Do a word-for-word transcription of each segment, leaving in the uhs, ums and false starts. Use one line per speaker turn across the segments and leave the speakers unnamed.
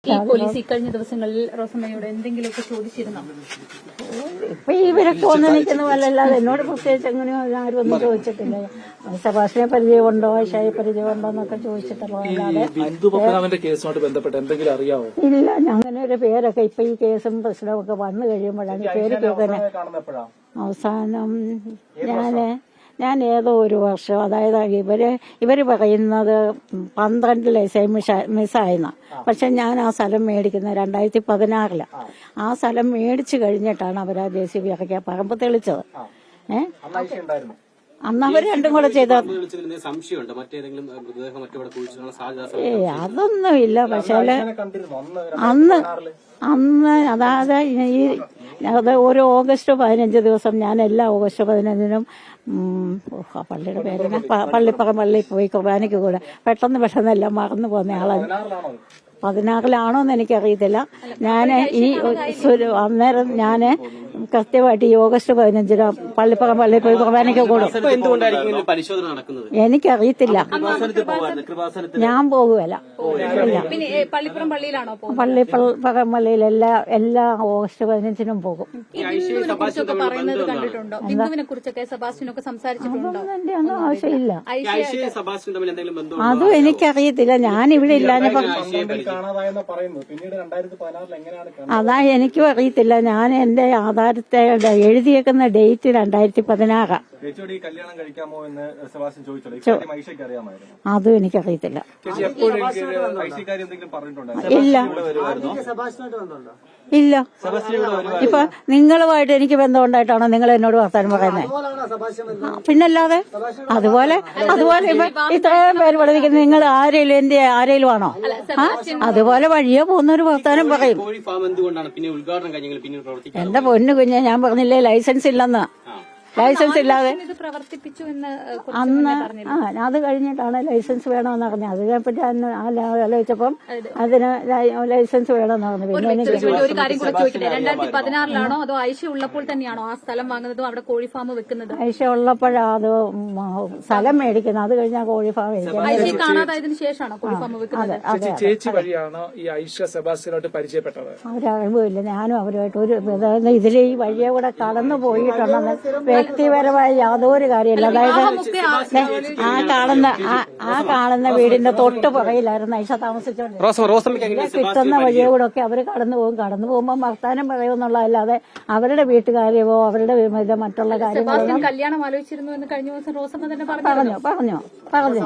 ഈ പോലീസ് ഇക്കഴിഞ്ഞ ദിവസങ്ങളിൽ റോസമ്മയോട് എന്തെങ്കിലുമൊക്കെ ചോദിച്ചിരുന്നോ?
ഇപ്പൊ ഇവരൊക്കെ വന്ന് നിൽക്കുന്ന പോലല്ലാതെ എന്നോട് പ്രത്യേകിച്ച് എങ്ങനെയോ ആരും ഒന്നും ചോദിച്ചിട്ടില്ല. സഭാഷിനെ പരിചയമുണ്ടോ, ഐഷയെ പരിചയമുണ്ടോ എന്നൊക്കെ ചോദിച്ചിട്ടുള്ളതല്ലാതെ
ബിന്ദുപത്മനാഭന്റെ കേസുമായിട്ട് ബന്ധപ്പെട്ട് എന്തെങ്കിലും അറിയാമോ?
ഇല്ല. അങ്ങനെ ഒരു പേരൊക്കെ ഇപ്പൊ ഈ കേസും പ്രശ്നമൊക്കെ വന്നു കഴിയുമ്പോഴാണ് ഈ പേര് കേൾക്കുന്നത്. അവസാനം ഞാന് ഞാൻ ഏതോ ഒരു വർഷം, അതായത് ഇവര് ഇവര് പറയുന്നത് പന്ത്രണ്ടിലെ മിസ്സായെന്ന, പക്ഷെ ഞാൻ ആ സ്ഥലം മേടിക്കുന്നത് രണ്ടായിരത്തി പതിനാറില്. ആ സ്ഥലം മേടിച്ചു കഴിഞ്ഞിട്ടാണ് അവർ ആ ജെ സി ബി ഇറക്കിയ പറമ്പ് തെളിച്ചത്. ഏഹ് അന്ന് അവർ രണ്ടും കൂടെ ചെയ്ത ഏ അതൊന്നും ഇല്ല. പക്ഷേ അന്ന് അന്ന് അതായത് ഈ അത് ഒരു ഓഗസ്റ്റ് പതിനഞ്ച് ദിവസം ഞാൻ എല്ലാ ഓഗസ്റ്റ് പതിനഞ്ചിനും പള്ളിയുടെ പേരിന് പള്ളിപ്പറം പള്ളിയിൽ പോയി കുർബാനയ്ക്ക് കൂടെ പെട്ടെന്ന് പെട്ടെന്ന് എല്ലാം മറന്നു പോകുന്ന ആളാണ്. പതിനാറിലാണോ എന്ന് എനിക്കറിയത്തില്ല. ഞാൻ ഈ അന്നേരം ഞാൻ കൃത്യമായിട്ട് ഈ ഓഗസ്റ്റ് പതിനഞ്ചിന് പള്ളിപ്പറം പള്ളിയിൽ പോയി കുർബാനയ്ക്ക് കൂടും. എനിക്കറിയത്തില്ല, ഞാൻ പോകുകയല്ല.
പള്ളിപ്പുറം പള്ളിയിലാണോ?
പള്ളിപ്പറം പള്ളിയിൽ എല്ലാ എല്ലാ ഓഗസ്റ്റ് പതിനഞ്ചിനും പോകും.
പറയുന്നത് കണ്ടിട്ടുണ്ടോ? ബിന്ദുവിനെ കുറിച്ചൊക്കെ സെബാസ്റ്റ്യനൊക്കെ സംസാരിച്ചിട്ടുണ്ടോ?
എന്റെ ഒന്നും ആവശ്യമില്ല. അതും എനിക്കറിയത്തില്ല. ഞാൻ ഇവിടെ ഇല്ലാഞ്ഞപ്പോ അതാ എനിക്കും അറിയത്തില്ല. ഞാൻ എന്റെ ആധാരത്തെ എഴുതിയേക്കുന്ന ഡേറ്റ് രണ്ടായിരത്തി പതിനാറാ. അതും എനിക്കറിയത്തില്ല. ഇല്ല ഇല്ല. ഇപ്പൊ നിങ്ങളുമായിട്ട് എനിക്ക് ബന്ധമുണ്ടായിട്ടാണോ നിങ്ങൾ എന്നോട് വർത്താനം പറയുന്നത്? പിന്നല്ലാതെ അതുപോലെ അതുപോലെ ഇപ്പൊ ഇത്രയും പേര് പഠിപ്പിക്കുന്നത് നിങ്ങൾ ആരേലും എന്റെ ആരേലും ആണോ? ആ അതുപോലെ വഴിയോ പോകുന്നൊരു വർത്താനം പറയും. എന്റെ പൊന്നു കുഞ്ഞെ, ഞാൻ പറഞ്ഞില്ലേ ലൈസൻസ് ഇല്ലെന്ന്. ലൈസൻസ് ഇല്ലാതെ അന്ന് ആ അത് കഴിഞ്ഞിട്ടാണ് ലൈസൻസ് വേണമെന്ന് പറഞ്ഞത്. അത് കഴിഞ്ഞിട്ട് ആലോചിച്ചപ്പം അതിന് ലൈസൻസ് വേണമെന്ന് പറഞ്ഞു. പിന്നെ എനിക്ക്
ഒരു കാര്യം കൂടെ ചോദിക്കട്ടെ, രണ്ടായിരത്തി പതിനാറിലാണോ അതോ ഐഷ ഉള്ളപ്പോൾ തന്നെയാണോ ആ സ്ഥലം വാങ്ങുന്നതും അവിടെ കോഴി ഫാം വെക്കുന്നത്?
ഐഷ ഉള്ളപ്പോഴാ അത് സ്ഥലം മേടിക്കുന്നത്. അത് കഴിഞ്ഞാൽ കോഴി ഫാം മേടിക്കുന്നത്.
ഐഷ കാണാതായതിനു ശേഷമാണോ കോഴി ഫാം വെക്കുന്നത്?
ചേച്ചി വഴിയാണോ ഈ ഐഷ സെബാസ്റ്റ്യനായിട്ട് പരിചയപ്പെട്ടത്?
ഒരറിവില്ല. ഞാനും അവരുമായിട്ട് ഒരു ഇതിൽ ഈ വഴിയെ കൂടെ കടന്നു പോയിട്ടുണ്ടെന്ന് വ്യക്തിപരമായ യാതൊരു കാര്യമില്ല. അതായത് ആ കാണുന്ന ആ കാണുന്ന വീടിന്റെ തൊട്ട് പുറയിലായിരുന്നു ഐഷ താമസിച്ചോണ്ട്. കിട്ടുന്ന വഴിയെ കൂടെ ഒക്കെ അവര് കടന്നു പോകും. കടന്നു പോകുമ്പോൾ വർത്താനം പറയുമെന്നുള്ളതല്ലാതെ അവരുടെ വീട്ടുകാര്യമോ അവരുടെ ഇത് മറ്റുള്ള കാര്യങ്ങളോ
കല്യാണം ആലോചിച്ചിരുന്നു എന്ന് കഴിഞ്ഞ ദിവസം റോസമ്മ തന്നെ
പറഞ്ഞു പറഞ്ഞു പറഞ്ഞു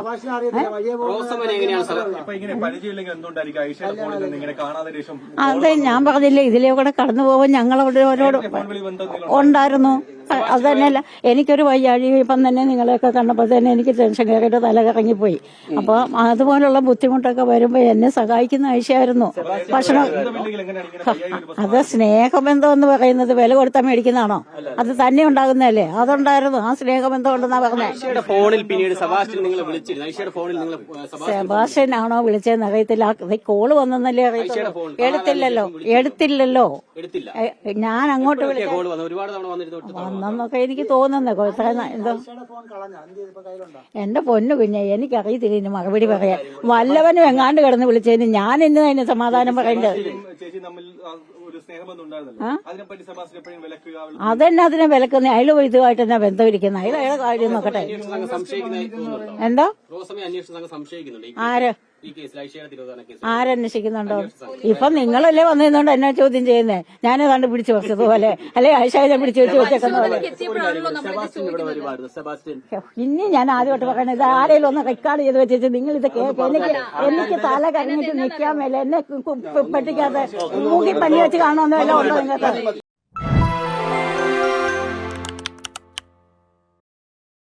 അതെ ഞാൻ പറഞ്ഞില്ലേ, ഇതിലേ കൂടെ കടന്നു പോകുമ്പോൾ ഞങ്ങളവരോട് ഉണ്ടായിരുന്നു. അത് തന്നെയല്ല, എനിക്കൊരു വയ്യാഴി ഇപ്പം തന്നെ നിങ്ങളെയൊക്കെ കണ്ടപ്പോൾ തന്നെ എനിക്ക് ടെൻഷൻ കയറിയിട്ട് തല കറങ്ങിപ്പോയി. അപ്പൊ അതുപോലുള്ള ബുദ്ധിമുട്ടൊക്കെ വരുമ്പോ എന്നെ സഹായിക്കുന്ന ആഴ്ചയായിരുന്നു. ഭക്ഷണം അത് സ്നേഹബന്ധം എന്ന് പറയുന്നത് വില കൊടുത്താൽ മേടിക്കുന്നതാണോ? അത് തന്നെ ഉണ്ടാകുന്നതല്ലേ? അതുണ്ടായിരുന്നു. ആ സ്നേഹബന്ധം ഉണ്ടെന്നാ പറഞ്ഞത്. സെബാസ്റ്റ്യൻ ആണോ വിളിച്ചതെന്ന് അറിയത്തില്ല. കോള് വന്നെന്നല്ലേ അറിയത്തില്ല. എടുത്തില്ലല്ലോ എടുത്തില്ലല്ലോ ഞാൻ അങ്ങോട്ട് വന്നെന്നൊക്കെ എനിക്ക് തോന്നുന്നു. എന്തോ എന്റെ പൊന്നു കുഞ്ഞെ, എനിക്കറിയത്തില്ല ഇതിന് മറുപടി പറയാൻ. വല്ലവനും എങ്ങാണ്ട് കിടന്ന് വിളിച്ചതിന് ഞാൻ ഇന്ന് അതിന് സമാധാനം പറയേണ്ടത്. അതെന്നെ അതിനെ വിലക്കുന്ന അയാൾ ഇതുമായിട്ട് തന്നെ ബന്ധമിരിക്കുന്ന അയാൾ അയാളെ കാര്യം നോക്കട്ടെ. എന്താ ആര് ആരന്വേഷിക്കുന്നുണ്ടോ? ഇപ്പൊ നിങ്ങളല്ലേ വന്നിരുന്നോണ്ട് എന്നെ ചോദ്യം ചെയ്യുന്നേ. ഞാനേതാണ്ട് പിടിച്ചു വെച്ചതുപോലെ, അല്ലെ ആയിഷയെ പിടിച്ചു വെച്ച് വെച്ചേക്കുന്ന പോലെ. ഇനി ഞാൻ ആദ്യമായിട്ട് പറയണത്, ഇത് ആരെങ്കിലും ഒന്ന് റെക്കോർഡ് ചെയ്ത് വെച്ചിട്ട് നിങ്ങൾ ഇത് കേൾക്കുക. എനിക്ക് എനിക്ക് തല കരഞ്ഞിട്ട് നിൽക്കാൻ മേലെ എന്നെ പെട്ടിക്കാതെ മൂക്കി പല്ലി വെച്ച് കാണുമെന്ന് വല്ല ഉണ്ടോ നിങ്ങൾക്ക്?